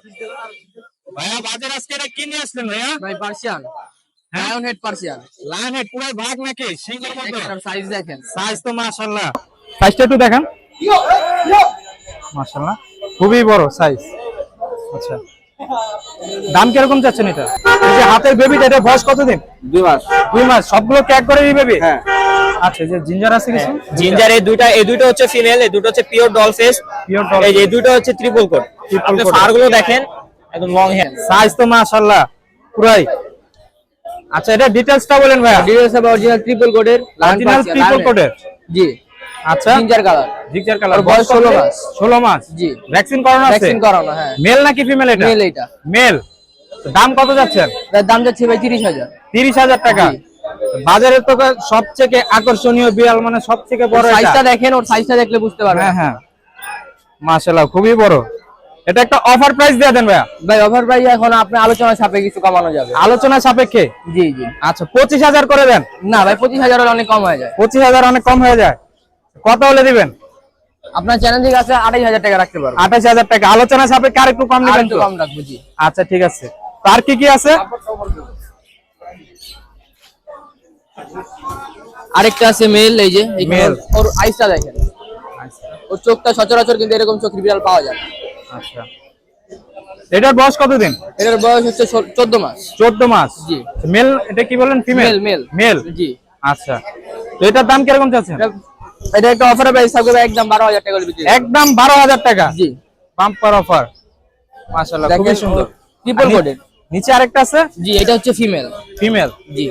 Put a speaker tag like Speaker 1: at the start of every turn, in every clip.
Speaker 1: ভাইয়া বাজার আজকে এটা কি নিয়ে আসলেন ভাইয়া?
Speaker 2: ভাই পার্সিয়ান,
Speaker 1: হ্যাঁ?
Speaker 2: Lion head Persian.
Speaker 1: Lion head পুরো ভাগ নাকি সিঙ্গেল মতো?
Speaker 2: একটা সাইজ দেখেন।
Speaker 1: সাইজ তো মাশাআল্লাহ। সাইজটা একটু দেখান। মাশাআল্লাহ খুবই বড় সাইজ। আচ্ছা দাম কিরকম যাচ্ছেন এটা? এই যে হাতের বেবিটা, এটা বয়স কতদিন?
Speaker 2: 2 মাস।
Speaker 1: 2 মাস। সবগুলো ক্যাক করে এই বেবি?
Speaker 2: হ্যাঁ।
Speaker 1: আচ্ছা এই যে জিঞ্জার আছে কিছু?
Speaker 3: জিঞ্জার এই দুটো হচ্ছে ফিমেল, এই দুটো হচ্ছে pure doll face.
Speaker 1: Pure doll.
Speaker 3: এই যে এই দুটো হচ্ছে ট্রিপল কোট। আপনি
Speaker 1: coat।
Speaker 3: ফার গুলো দেখেন একদম লং হেয়ার।
Speaker 1: সাইজ তো মাশাআল্লাহ পুরাই। আচ্ছা এটা ডিটেইলসটা বলেন ভাইয়া।
Speaker 2: ডিটেইলস হবে অরিজিনাল ট্রিপল কোডের,
Speaker 1: অরিজিনাল ট্রিপল কোটের।
Speaker 2: জি।
Speaker 1: আচ্ছা
Speaker 2: জিঞ্জার কালার।
Speaker 1: Ginger colour.
Speaker 2: ওর বয়স 16 মাস।
Speaker 1: 16 মাস।
Speaker 2: জি।
Speaker 1: ভ্যাকসিন করানো আছে?
Speaker 2: ভ্যাকসিন করানো, হ্যাঁ।
Speaker 1: মেল নাকি ফিমেল এটা?
Speaker 2: মেল এটা।
Speaker 1: মেল। দাম কত যাচ্ছেন?
Speaker 2: এর দাম যাচ্ছে ভাই 30,000।
Speaker 1: 30,000 টাকা।
Speaker 2: জি।
Speaker 1: বাজারে তো সবথেকে আকর্ষণীয় বিড়াল মানে সবথেকে বড় এটা।
Speaker 2: সাইজটা দেখেন, ওর সাইজটা দেখলে বুঝতে পারবেন।
Speaker 1: হ্যাঁ হ্যাঁ মাশাআল্লাহ খুবই বড়। এটা একটা অফার প্রাইস দিয়ে দেন ভাইয়া।
Speaker 2: ভাই অফার প্রাইস এখন আপনি আলোচনা সাপেক্ষে কিছু কমানো যাবে।
Speaker 1: আলোচনা সাপেক্ষে?
Speaker 2: জি জি।
Speaker 1: আচ্ছা 25,000 করে দেন।
Speaker 2: না ভাই 25,000 হলে অনেক কম হয়ে যায়।
Speaker 1: 25,000 অনেক কম হয়ে যায়। কত হলে দিবেন?
Speaker 2: আপনার চ্যানেল থেকে আছে 28,000 টাকা রাখতে পারবো।
Speaker 1: 28,000 টাকা। আলোচনা সাপেক্ষে আর একটু কম
Speaker 2: আর
Speaker 1: নেবেন
Speaker 2: একটু
Speaker 1: তো?
Speaker 2: কম রাখবো। জি।
Speaker 1: আচ্ছা ঠিক আছে। তো আর কি কি আছে?
Speaker 2: আরেকটা আছে মেল, এই যে
Speaker 1: Male।
Speaker 2: ওর আইসটা দেখেন। ওর চোখটা সচরাচর কিন্তু এরকম চোখের বিড়াল পাওয়া যায় না।
Speaker 1: আচ্ছা এটার বয়স কতদিন?
Speaker 2: এটার বয়স হচ্ছে 14 মাস।
Speaker 1: 14 মাস।
Speaker 2: জি।
Speaker 1: মেল। এটা কি বলেন? ফিমেল?
Speaker 2: মেল।
Speaker 1: মেল।
Speaker 2: জি।
Speaker 1: আচ্ছা তো এটার দাম কিরকম চাচ্ছেন?
Speaker 2: এটা একটা অফারে প্রাইস থাকবে একদম 12,000 টাকা করে বিক্রি করব।
Speaker 1: একদম 12,000 টাকা।
Speaker 2: জি।
Speaker 1: Bumper offer. মাশাআল্লাহ খুবই সুন্দর।
Speaker 2: ট্রিপল কোডের।
Speaker 1: নিচে আরেকটা আছে?
Speaker 2: জি, এটা হচ্ছে ফিমেল।
Speaker 1: ফিমেল।
Speaker 2: জি।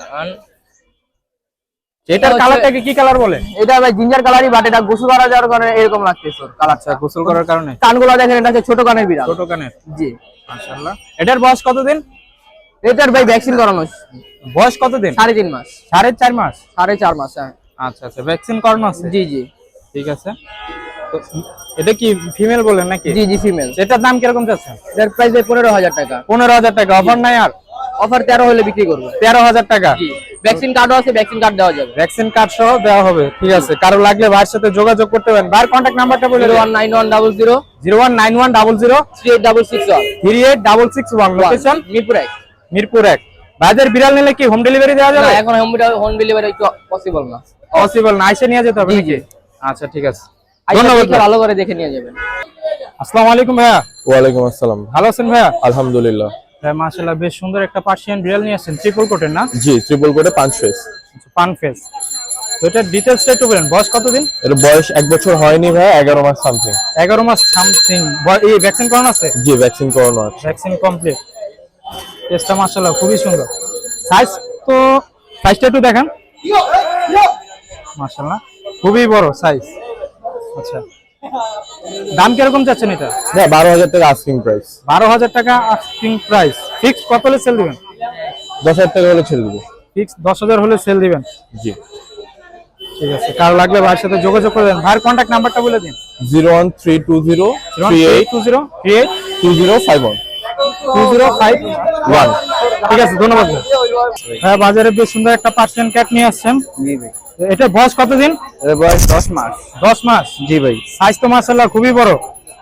Speaker 1: এটার কালারটাকে কি কালার বলে?
Speaker 2: এটা ভাই জিঞ্জার কালারই, বাট এটা গোসল করা যাওয়ার কারণে এরকম লাগতেছে ওর কালারটা।
Speaker 1: গোসল করার কারণে?
Speaker 2: কানগুলো দেখেন, এটা হচ্ছে ছোট কানের বিড়াল।
Speaker 1: ছোট কানের।
Speaker 2: জি।
Speaker 1: মাশাআল্লাহ। এটার বয়স কতদিন?
Speaker 2: এটার ভাই ভ্যাকসিন করানো
Speaker 1: বয়স কতদিন?
Speaker 2: 3.5 মাস।
Speaker 1: 4.5 মাস।
Speaker 2: 4.5 মাস, হ্যাঁ।
Speaker 1: আচ্ছা আচ্ছা ভ্যাকসিন করানো আছে?
Speaker 2: জি জি।
Speaker 1: ঠিক আছে। তো এটা কি ফিমেল বলেন নাকি?
Speaker 2: জি জি ফিমেল।
Speaker 1: এটার দাম কিরকম যাচ্ছে?
Speaker 2: এটার প্রাইস 15,000 টাকা।
Speaker 1: 15,000 টাকা। অফার নাই আর?
Speaker 2: অফার 13 হলে বিক্রি করব।
Speaker 1: 13,000 টাকা।
Speaker 2: জি। ভ্যাকসিন কার্ডও আছে, ভ্যাকসিন কার্ড দেওয়া যাবে।
Speaker 1: ভ্যাকসিন কার্ড সহ দেওয়া হবে। ঠিক আছে। কারো লাগলে ভাইয়ের সাথে যোগাযোগ করতে পারেন। ভাইয়ের কন্টাক্ট নাম্বারটা বলে দিন।
Speaker 2: 019100
Speaker 1: 019100
Speaker 2: 386661।
Speaker 1: 386661। লোকেশন?
Speaker 2: মিরপুর 1।
Speaker 1: মিরপুর 1। ভাইদের বিড়াল নিলে কি হোম ডেলিভারি দেওয়া
Speaker 2: না,
Speaker 1: যাবে?
Speaker 2: এখন হোম ডেলিভারি একটু পসিবল না।
Speaker 1: পসিবল না, এসে নিয়ে যেতে হবে নাকি? আচ্ছা ঠিক আছে।
Speaker 2: ধন্যবাদ। ভালো করে দেখে নিয়ে যাবেন।
Speaker 1: আসসালামু আলাইকুম ভাইয়া।
Speaker 4: ওয়ালাইকুম আসসালাম।
Speaker 1: ভালো আছেন ভাইয়া?
Speaker 4: আলহামদুলিল্লাহ।
Speaker 1: ভাই মাশাআল্লাহ বেশ সুন্দর একটা পার্সিয়ান বিড়াল নিয়ে আসছেন, ট্রিপল কোটের না?
Speaker 4: জি, ট্রিপল কোটে পাঁচ ফেস।
Speaker 1: পান ফেস। তো এটার ডিটেইলসটা একটু বলেন। বয়স কতদিন?
Speaker 4: এর বয়স 1 বছর হয়নি ভাই, 11 মাস সামথিং।
Speaker 1: 11 মাস সামথিং। এই ভ্যাকসিন করানো আছে?
Speaker 4: জি, ভ্যাকসিন করানো আছে।
Speaker 1: Vaccine complete. টেস্টটা মাশাআল্লাহ খুবই সুন্দর। সাইজটা একটু দেখান। মাশাআল্লাহ খুবই বড় সাইজ। আচ্ছা দাম কিরকম চাচ্ছেন এটা?
Speaker 4: হ্যাঁ, 12,000 টাকা আস্কিং প্রাইস।
Speaker 1: 12,000 টাকা আস্কিং প্রাইস। ফিক্স কত হলে সেল দিবেন?
Speaker 4: 10,000 টাকা হলে ছেড়ে দেবো।
Speaker 1: ফিক্স 10,000 হলে সেল দিবেন।
Speaker 4: জি।
Speaker 1: ঠিক আছে। কারো লাগলে ভাইয়ের সাথে যোগাযোগ করবেন। ভাইয়ের কন্টাক্ট নাম্বারটা বলে দিন।
Speaker 4: 01320 38 2051।
Speaker 1: 2051। ঠিক আছে ধন্যবাদ। হ্যাঁ বাজারে বেশ সুন্দর একটা পার্সিয়ান ক্যাট নিয়ে আসছেন।
Speaker 2: জি ভাই।
Speaker 1: এটা বয়স কতদিন?
Speaker 2: এর বয়স 10 মাস।
Speaker 1: 10 মাস।
Speaker 2: জি ভাই।
Speaker 1: সাইজ তো মাশাআল্লাহ খুবই বড়।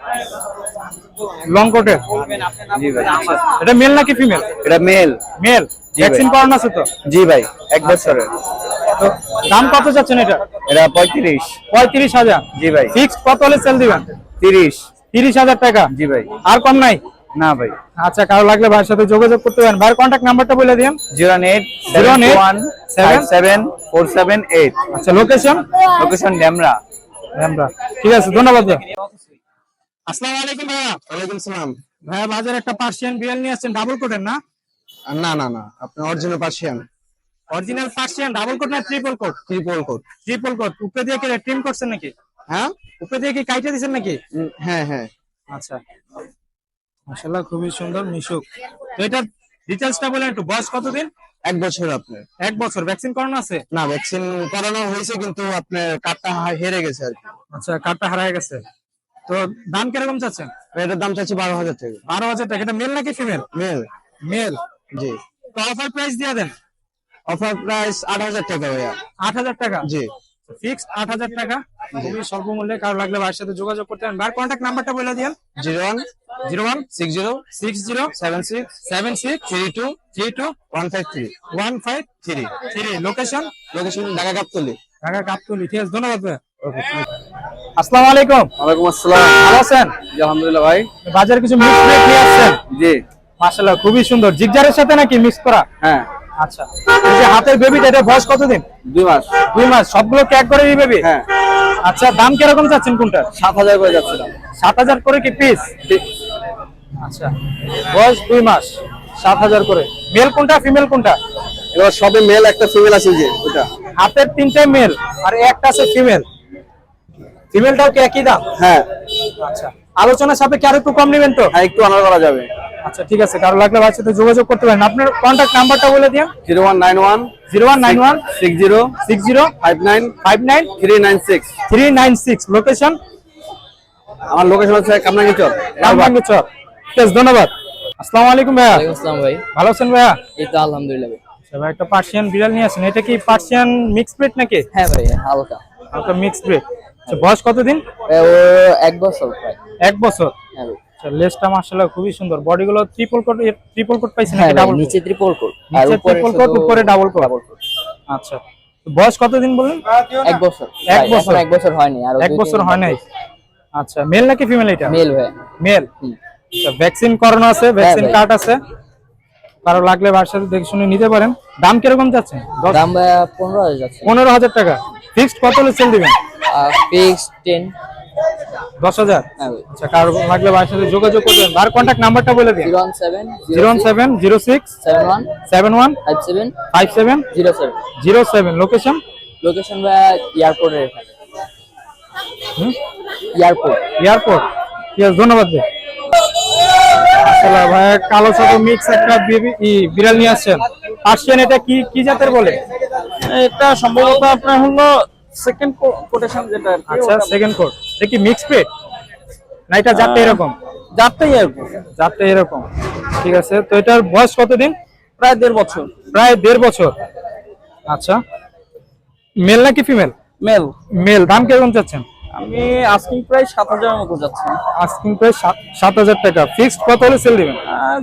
Speaker 1: লং কোটের।
Speaker 2: জি ভাই।
Speaker 1: এটা মেল নাকি ফিমেল?
Speaker 2: এটা মেল।
Speaker 1: মেল। ভ্যাকসিন করানো আছে তো?
Speaker 2: জি ভাই, 1 বছরের।
Speaker 1: তো দাম কত চাচ্ছেন এটা?
Speaker 2: এটা 35।
Speaker 1: 35,000।
Speaker 2: জি ভাই।
Speaker 1: ফিক্স কত হলে সেল দিবেন?
Speaker 2: 30।
Speaker 1: 30,000 টাকা।
Speaker 2: জি ভাই।
Speaker 1: আর কম নাই?
Speaker 2: না ভাই।
Speaker 1: আচ্ছা কারো লাগলে ভাইয়ের সাথে যোগাযোগ করতে পারেন। ভাইয়ের কন্টাক্ট নাম্বারটা বলে দিন।
Speaker 2: 087174778।
Speaker 1: আচ্ছা লোকেশন?
Speaker 2: লোকেশন ডেমরা।
Speaker 1: আমরা। ঠিক আছে ধন্যবাদ ভাই। আসসালামু আলাইকুম ভাইয়া।
Speaker 4: ওয়ালাইকুম সালাম।
Speaker 1: ভাইয়া বাজারে একটা পার্সিয়ান বিড়াল নিয়ে আসছেন, ডাবল কোটের না?
Speaker 4: না না না, আপনি original Persian.
Speaker 1: Original Persian double coat না triple coat?
Speaker 4: Triple coat.
Speaker 1: Triple coat. উপরে দিয়ে কি ট্রিম করছেন নাকি?
Speaker 4: হ্যাঁ
Speaker 1: উপরে দিয়ে কি কাইটা দিবেন নাকি?
Speaker 4: হ্যাঁ হ্যাঁ।
Speaker 1: আচ্ছা মাশাআল্লাহ খুবই সুন্দর মিশুক। তো এটার ডিটেইলসটা বলেন একটু। বয়স কতদিন?
Speaker 4: 1 বছর আপনার।
Speaker 1: 1 বছর। ভ্যাকসিন করানো আছে?
Speaker 4: না, ভ্যাকসিন করানো হয়েছে কিন্তু আপনার কার্ডটা হেরে গেছে আর কি।
Speaker 1: আচ্ছা কার্ডটা হারিয়ে গেছে। তো দাম কিরকম চাচ্ছেন?
Speaker 4: এটার দাম চাচ্ছি 12,000 টাকা।
Speaker 1: 12,000 টাকা। এটা মেল নাকি ফিমেল?
Speaker 4: মেল।
Speaker 1: মেল।
Speaker 4: জি।
Speaker 1: তো অফার প্রাইস দিয়ে দেন।
Speaker 4: অফার প্রাইস 8,000 টাকা ভাইয়া।
Speaker 1: 8,000 টাকা।
Speaker 4: জি।
Speaker 1: ফিক্সড 8,000 টাকা, খুবই স্বল্প মূল্যে। কারো লাগলে ভাইয়ের সাথে যোগাযোগ করতে পারেন। ভাইয়ের কন্ট্যাক্ট নাম্বারটা বলে দিন।
Speaker 4: 016060763232
Speaker 1: লোকেশন
Speaker 4: ঢাকা গাবতলী।
Speaker 1: ঢাকা গাবতলী। ঠিক আছে, ধন্যবাদ ভাই। আসসালামু আলাইকুম।
Speaker 2: ওয়ালাইকুম আসসালাম।
Speaker 1: ভালো আছেন?
Speaker 2: জি আলহামদুলিল্লাহ ভাই।
Speaker 1: বাজারে কিছু মিক্স ব্রিড নিয়ে আসছেন?
Speaker 2: জি
Speaker 1: মাশাআল্লাহ, খুবই সুন্দর। জিগজারের সাথে নাকি মিক্স করা?
Speaker 2: হ্যাঁ।
Speaker 1: আচ্ছা, এই যে হাতের বেবিটা, এটা বয়স কতদিন?
Speaker 2: 2 মাস।
Speaker 1: 2 মাস। সবগুলো ক্যাক করে এই বেবি?
Speaker 2: হ্যাঁ।
Speaker 1: আচ্ছা, দাম কিরকম চাচ্ছেন কোনটা?
Speaker 2: 7,000 করে যাচ্ছিলাম।
Speaker 1: 7,000 করে কি পিস? আচ্ছা, বয়স 2 মাস, 7,000 করে। মেল কোনটা ফিমেল কোনটা?
Speaker 2: এবার সবে মেল, একটা ফিমেল আছে যে ওটা।
Speaker 1: হাতের 3টে মেল আর একটা আছে ফিমেল। ফিমেলটাও কি একই দাম?
Speaker 2: হ্যাঁ।
Speaker 1: আচ্ছা, আলোচনার সাপেক্ষে আর একটু কম নেবেন তো?
Speaker 2: হ্যাঁ, একটু অনার করা যাবে।
Speaker 1: আচ্ছা, ঠিক আছে। কারো লাগলে ভাইয়ের সাথে যোগাযোগ করতে পারেন। আপনার কন্ট্যাক্ট নাম্বারটা বলে দিন।
Speaker 2: 0191
Speaker 1: 0191
Speaker 2: 60
Speaker 1: 60
Speaker 2: 59
Speaker 1: 59
Speaker 2: 396।
Speaker 1: 396। লোকেশন?
Speaker 2: আমার লোকেশন হচ্ছে কামরাঙ্গীচর।
Speaker 1: রামবাঙ্গিচর। ঠিক আছে, ধন্যবাদ। আসসালামু আলাইকুম ভাইয়া।
Speaker 2: ওয়ালাইকুম আসসালাম ভাই।
Speaker 1: ভালো আছেন ভাইয়া?
Speaker 2: এই তো আলহামদুলিল্লাহ ভাই।
Speaker 1: আচ্ছা ভাই, একটা পার্সিয়ান বিড়াল নিয়ে আসেন। এটা কি পার্সিয়ান মিক্স ব্রিড নাকি?
Speaker 2: হ্যাঁ ভাই, হালকা
Speaker 1: হালকা মিক্স ব্রিড। আচ্ছা, বয়স কতদিন?
Speaker 2: ও 1 বছর প্রায়।
Speaker 1: 1 বছর।
Speaker 2: হ্যাঁ ভাই।
Speaker 1: আচ্ছা, লেজটা মাশাআল্লাহ খুবই সুন্দর। বডিগুলো ট্রিপল কোট পাইছেন
Speaker 2: হ্যাঁ
Speaker 1: নাকি
Speaker 2: ভাই,
Speaker 1: ডাবল?
Speaker 2: নিচে ট্রিপল কোট আর
Speaker 1: নিচে
Speaker 2: উপরে
Speaker 1: ট্রিপল কোট, উপরে ডাবল কোট। আচ্ছা, তো বয়স কতদিন বললেন?
Speaker 2: 1 বছর।
Speaker 1: 1 বছর।
Speaker 2: 1 বছর হয়নি, আর
Speaker 1: 1 বছর হয় নাই। আচ্ছা, মেল নাকি ফিমেল এটা?
Speaker 2: মেল ভাই।
Speaker 1: মেল। আচ্ছা, ভ্যাকসিন করানো আছে, ভ্যাকসিন
Speaker 2: ভাই।
Speaker 1: কার্ড আছে। কারো লাগলে ভাইয়ের সাথে দেখে শুনে নিতে পারেন। দাম কিরকম যাচ্ছে?
Speaker 2: দাম ভাই 15,000 যাচ্ছে।
Speaker 1: 15,000 টাকা। ফিক্সড কত হলে সেল দিবেন?
Speaker 2: ফিক্স 10।
Speaker 1: 10,000।
Speaker 2: হ্যাঁ ভাই।
Speaker 1: আচ্ছা, কারো লাগলে ভাইয়ের সাথে যোগাযোগ করবেন। ভাইয়ের কন্ট্যাক্ট নাম্বারটা বলে দিন।
Speaker 2: 0706
Speaker 1: 0706
Speaker 2: 71
Speaker 1: 71
Speaker 2: 57
Speaker 1: 57
Speaker 2: 07।
Speaker 1: 07। লোকেশন?
Speaker 2: লোকেশন ভাই এয়ারপোর্টের এখানে। এয়ারপোর্ট।
Speaker 1: এয়ারপোর্ট। ঠিক আছে, ধন্যবাদ ভাই। আসলে ভাই, কালো সাদা মিক্স একটা বিড়াল নিয়ে আসছেন। পার্সিয়ান, এটা কি কি জাতের বলে?
Speaker 3: এটা সম্ভবত আপনার হলো সেকেন্ড কোটেশন যেটা আর কি।
Speaker 1: আচ্ছা, সেকেন্ড কোট। এটা কি মিক্স ব্রিড না এটা জাতটা এরকম?
Speaker 3: জাতটাই এরকম।
Speaker 1: জাতটা এরকম। ঠিক আছে, তো এটার বয়স কতদিন?
Speaker 3: প্রায় 1.5 বছর।
Speaker 1: প্রায় 1.5 বছর। আচ্ছা, মেল নাকি ফিমেল?
Speaker 3: মেল।
Speaker 1: মেল। দাম কিরকম চাচ্ছেন?
Speaker 3: আমি আস্কিং প্রায় 7,000 মতো যাচ্ছে।
Speaker 1: আস্কিং প্রাইস 7,000 টাকা। ফিক্সড কত হলে সেল দিবেন?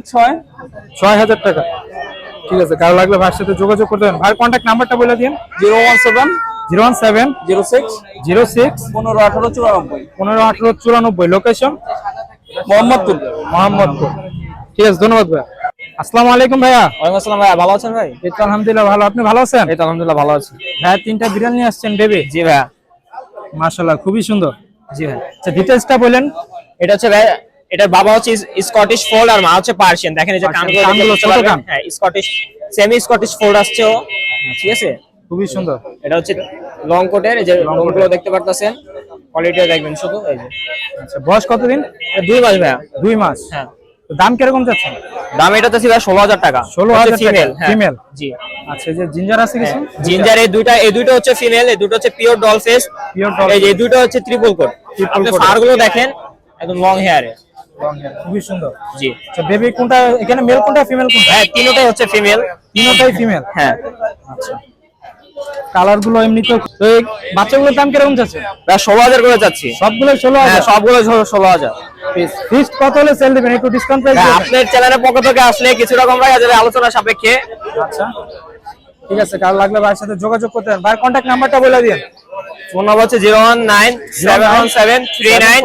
Speaker 1: 6,000 টাকা। ঠিক আছে, কারো লাগলে ভাইয়ের সাথে যোগাযোগ করতে পারেন। ভাইয়ের কন্ট্যাক্ট নাম্বারটা বলে দিন।
Speaker 3: 017
Speaker 1: 017
Speaker 3: 06
Speaker 1: 06
Speaker 3: 15 18 94।
Speaker 1: 15 18 94। লোকেশন?
Speaker 3: মোহাম্মদপুর।
Speaker 1: মোহাম্মদপুর। ঠিক আছে, ধন্যবাদ ভাইয়া। আসসালামু আলাইকুম ভাইয়া।
Speaker 3: ওয়ালাইকুম আসসালাম ভাই, ভালো আছেন ভাই?
Speaker 1: এই তো আলহামদুলিল্লাহ ভালো। আপনি ভালো আছেন?
Speaker 3: এই তো আলহামদুলিল্লাহ ভালো আছি।
Speaker 1: ভাইয়া 3টা বিড়াল নিয়ে আসছেন বেবি?
Speaker 3: জি ভাইয়া।
Speaker 1: মাশাআল্লাহ, খুবই সুন্দর।
Speaker 3: জি ভাই।
Speaker 1: আচ্ছা, ডিটেইলসটা বলেন।
Speaker 3: এটা হচ্ছে ভাই, এটার বাবা হচ্ছে স্কটিশ ফোল্ড আর মা হচ্ছে পার্সিয়ান। দেখেন এই যে কানগুলো
Speaker 1: কানগুলো
Speaker 3: দেখতে
Speaker 1: ছোট
Speaker 3: পারবেন।
Speaker 1: কান।
Speaker 3: হ্যাঁ, স্কটিশ, সেমি স্কটিশ ফোল্ড আসছে ও। ঠিক আছে,
Speaker 1: খুবই সুন্দর।
Speaker 3: এটা হচ্ছে লং কোটের, এই যে লোমগুলো দেখতে পারতেছেন। কোয়ালিটিটা দেখবেন শুধু এই যে।
Speaker 1: আচ্ছা, বয়স কতদিন?
Speaker 3: 2 মাস ভাইয়া।
Speaker 1: 2 মাস।
Speaker 3: হ্যাঁ।
Speaker 1: তো দাম কিরকম যাচ্ছে?
Speaker 3: দাম এটা তো ছিল 16,000 টাকা।
Speaker 1: 16,000 টাকা।
Speaker 3: ফিমেল।
Speaker 1: ফিমেল।
Speaker 3: জি।
Speaker 1: আচ্ছা, এই যে জিঞ্জার আছে কিছু?
Speaker 3: জিঞ্জার এই দুইটা হচ্ছে ফিমেল, এই দুটো হচ্ছে pure doll face.
Speaker 1: Pure doll.
Speaker 3: এই যে এই দুটো হচ্ছে ট্রিপল কোট। আপনি
Speaker 1: coat।
Speaker 3: ফার গুলো দেখেন, একদম লং হেয়ারে।
Speaker 1: খুবই সুন্দর।
Speaker 3: জি।
Speaker 1: আচ্ছা, বেবি কোনটা এখানে, মেল কোনটা ফিমেল কোনটা?
Speaker 3: হ্যাঁ, তিনটাই হচ্ছে ফিমেল।
Speaker 1: তিনটাই ফিমেল।
Speaker 3: হ্যাঁ।
Speaker 1: আচ্ছা, কালার গুলো এমনি তো। তো এই বাচ্চাগুলোর দাম কিরকম যাচ্ছে?
Speaker 3: প্রায় 16,000 করে যাচ্ছি।
Speaker 1: সবগুলো
Speaker 3: হ্যাঁ,
Speaker 1: 16,000।
Speaker 3: সবগুলো 16,000।
Speaker 1: ফিক্সড কত হলে সেল দিবেন? একটু ডিসকাউন্ট প্রাইস দিবেন?
Speaker 3: আপনার চ্যানেলের পক্ষ থেকে আসলে কিছুটা কম রাখা যাবে আলোচনা সাপেক্ষে।
Speaker 1: আচ্ছা, ঠিক আছে। কারো লাগলে ভাইয়ের সাথে যোগাযোগ করতে পারেন। ভাইয়ের কন্ট্যাক্ট নাম্বারটা বলে দিন।
Speaker 3: ফোন নাম্বার হচ্ছে 019 717 39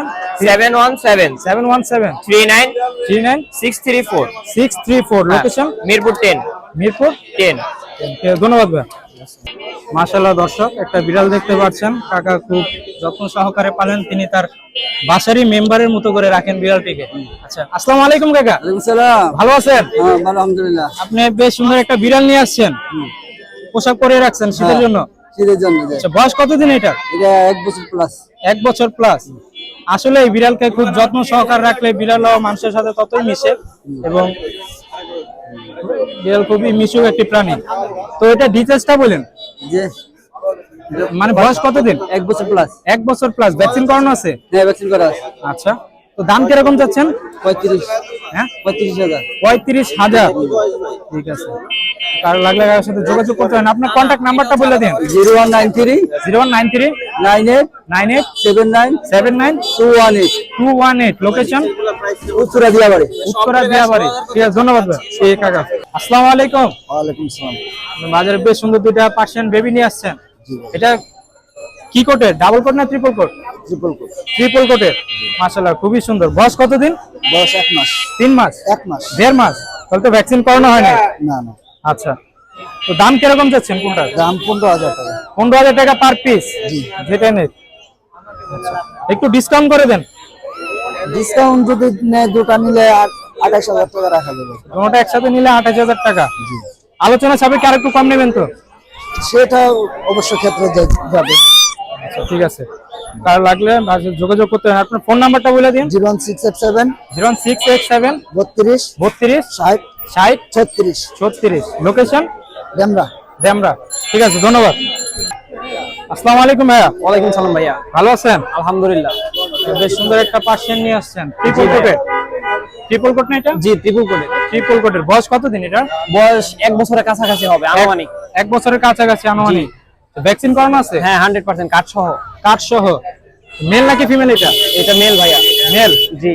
Speaker 3: 717
Speaker 1: 717
Speaker 3: 39
Speaker 1: 39
Speaker 3: 634।
Speaker 1: 634। লোকেশন?
Speaker 3: মিরপুর 10।
Speaker 1: মিরপুর
Speaker 3: 10।
Speaker 1: ধন্যবাদ ভাই। মাশাআল্লাহ, দর্শক একটা বিড়াল দেখতে পাচ্ছেন। কাকা খুব যত্ন সহকারে পালেন। তিনি তার বাসারই মেম্বারের মতো করে রাখেন বিড়ালটিকে। আচ্ছা, আসসালামু আলাইকুম কাকা।
Speaker 2: ওয়ালাইকুম সালাম।
Speaker 1: ভালো আছেন?
Speaker 2: হ্যাঁ ভালো, আলহামদুলিল্লাহ।
Speaker 1: আপনি বেশ সুন্দর একটা বিড়াল নিয়ে আসছেন। পোশাক পরে রাখছেন শীতের জন্য।
Speaker 2: শীতের জন্য
Speaker 1: আচ্ছা, বয়স কতদিন এটা?
Speaker 2: এটা 1 বছর প্লাস।
Speaker 1: 1 বছর প্লাস। আসলে এই বিড়ালকে খুব যত্ন সহকারে রাখলে বিড়ালও মানুষের সাথে ততই মিশে এবং বিড়াল খুবই মিশুক একটি প্রাণী। তো এটা ডিটেইলসটা বলেন।
Speaker 2: যে
Speaker 1: মানে বয়স কতদিন?
Speaker 2: 1 বছর প্লাস।
Speaker 1: 1 বছর প্লাস। ভ্যাকসিন করানো আছে?
Speaker 2: হ্যাঁ, ভ্যাকসিন করা আছে।
Speaker 1: আচ্ছা, তো দাম কিরকম যাচ্ছেন?
Speaker 2: 35।
Speaker 1: হ্যাঁ,
Speaker 2: 35,000।
Speaker 1: 35,000। ঠিক আছে, কারো লাগলে কারোর সাথে যোগাযোগ করতে হবে। আপনার কন্ট্যাক্ট নাম্বারটা বলে দিন।
Speaker 4: 0193
Speaker 1: 0193
Speaker 4: 98
Speaker 1: 98
Speaker 4: 79
Speaker 1: 79
Speaker 4: 218
Speaker 1: 218। লোকেশন
Speaker 4: উত্তরা দিয়াবাড়ি।
Speaker 1: উত্তরা দিয়াবাড়ি। ঠিক আছে, ধন্যবাদ ভাই। ঠিক কাকা, আসসালামু আলাইকুম।
Speaker 4: ওয়ালাইকুম সালাম।
Speaker 1: বাজারে বেশ সুন্দর দুইটা পার্সিয়ান বেবি নিয়ে আসছেন। এটা কি কোটের, ডাবল কোট না triple coat?
Speaker 4: Triple coat.
Speaker 1: Triple কোটের, মাশাআল্লাহ খুবই সুন্দর। বয়স কতদিন?
Speaker 4: বয়স 1 মাস।
Speaker 1: 3 মাস?
Speaker 4: 1 মাস।
Speaker 1: 1.5 মাস? তাহলে তো ভ্যাকসিন করানো হয় না।
Speaker 4: না না,
Speaker 1: আচ্ছা, তো দাম কিরকম যাচ্ছেন কোনটা?
Speaker 4: দাম 15,000 টাকা।
Speaker 1: 15,000 টাকা পার পিস?
Speaker 4: জি।
Speaker 1: যেটা নেই, আচ্ছা, একটু ডিসকাউন্ট করে দেন।
Speaker 4: ডিসকাউন্ট যদি নেয় দুটো নিলে 28,000 টাকা রাখা যাবে।
Speaker 1: দুটোটা একসাথে নিলে 28,000 টাকা।
Speaker 4: জি।
Speaker 1: আলোচনা সাপেক্ষে আর একটু কম নেবেন তো?
Speaker 4: সেটা অবশ্য ক্ষেত্রে যাবে।
Speaker 1: আচ্ছা, ঠিক আছে, কার লাগলে যোগাযোগ করতে হবে। আপনার ফোন নাম্বারটা বলে দিন।
Speaker 4: 01687
Speaker 1: 0687
Speaker 4: 32
Speaker 1: 32
Speaker 4: 60
Speaker 1: 60
Speaker 4: 36
Speaker 1: 36। লোকেশন
Speaker 4: ডেমরা।
Speaker 1: ডেমরা। ঠিক আছে, ধন্যবাদ। আসসালামু আলাইকুম ভাইয়া।
Speaker 2: ওয়ালাইকুম সালাম ভাইয়া।
Speaker 1: ভালো আছেন?
Speaker 2: আলহামদুলিল্লাহ।
Speaker 1: বেশ সুন্দর একটা পার্সিয়ান নিয়ে আসছেন। ট্রিপল কোটের? ট্রিপল কোট না এটা?
Speaker 2: জি, ট্রিপল কোটের।
Speaker 1: ট্রিপল কোটের। বয়স কতদিন এটা?
Speaker 2: বয়স 1 বছরের কাছাকাছি হবে আনুমানিক।
Speaker 1: 1 বছরের কাছাকাছি আনুমানিক। ভ্যাকসিন করানো আছে?
Speaker 2: হ্যাঁ, 100% কার্ড সহ।
Speaker 1: কার্ড সহ। মেল নাকি ফিমেল এটা?
Speaker 2: এটা মেল ভাইয়া।
Speaker 1: মেল।
Speaker 2: জি,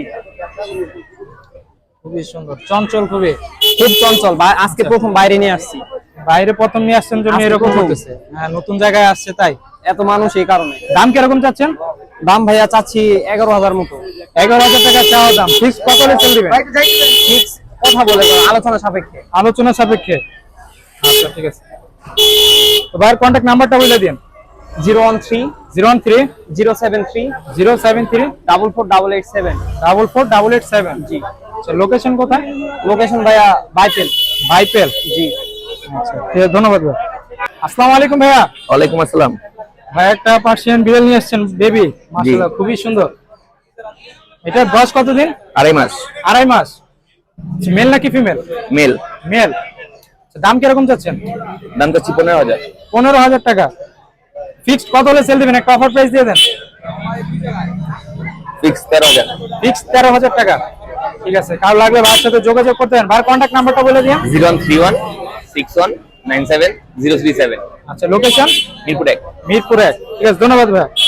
Speaker 1: খুবই সুন্দর, চঞ্চল খুবই।
Speaker 2: খুব চঞ্চল। আজকে প্রথম বাইরে নিয়ে আসছি।
Speaker 1: বাইরে প্রথম নিয়ে আসছেন জন্য
Speaker 2: আজকে
Speaker 1: এরকম
Speaker 2: প্রথম।
Speaker 1: হতেছে। হ্যাঁ, নতুন জায়গায় আসছে তাই।
Speaker 2: এত মানুষ এই কারণে।
Speaker 1: দাম কিরকম চাচ্ছেন?
Speaker 2: দাম ভাইয়া চাচ্ছি 11,000 মতো।
Speaker 1: 11,000 টাকা চাওয়া দাম। ফিক্স কত হলে চলে দিবেন?
Speaker 2: ফিক্স কথা বলে আলোচনা সাপেক্ষে।
Speaker 1: আলোচনা সাপেক্ষে। আচ্ছা, ঠিক আছে। তো ভাইয়ের কন্ট্যাক্ট নাম্বারটা বলে দিন।
Speaker 2: 013
Speaker 1: 013
Speaker 2: 073
Speaker 1: 073
Speaker 2: 44887।
Speaker 1: 44887।
Speaker 2: জি।
Speaker 1: আচ্ছা, লোকেশন কোথায়?
Speaker 2: লোকেশন ভাইয়া বাইপেল।
Speaker 1: ভাইপেল।
Speaker 2: জি।
Speaker 1: আচ্ছা, ঠিক আছে, ধন্যবাদ ভাই। আসসালামু আলাইকুম ভাইয়া।
Speaker 5: ওয়ালাইকুম আসসালাম।
Speaker 1: ভাই একটা পার্সিয়ান বিড়াল নিয়ে আসছেন বেবি, মাশাআল্লাহ খুবই সুন্দর। এটার বয়স কতদিন?
Speaker 5: 2.5 মাস।
Speaker 1: 2.5 মাস। মেল নাকি ফিমেল?
Speaker 5: মেল।
Speaker 1: মেল। দাম কিরকম চাচ্ছেন?
Speaker 5: দাম তো 15,000।
Speaker 1: 15,000 টাকা। ফিক্সড কত হলে সেল দিবেন? একটা অফার প্রাইস দিয়ে দেন।
Speaker 5: ফিক্স 13,000।
Speaker 1: ফিক্স 13,000 টাকা। ঠিক আছে, কারো লাগলে ভাইয়ের সাথে যোগাযোগ করতে পারেন। ভাইয়ের কন্ট্যাক্ট নাম্বারটা বলে দিন।
Speaker 5: 0131 61 97 037।
Speaker 1: আচ্ছা, লোকেশন
Speaker 5: মিরপুর 1।
Speaker 1: মিরপুর 1। ঠিক আছে, ধন্যবাদ ভাই।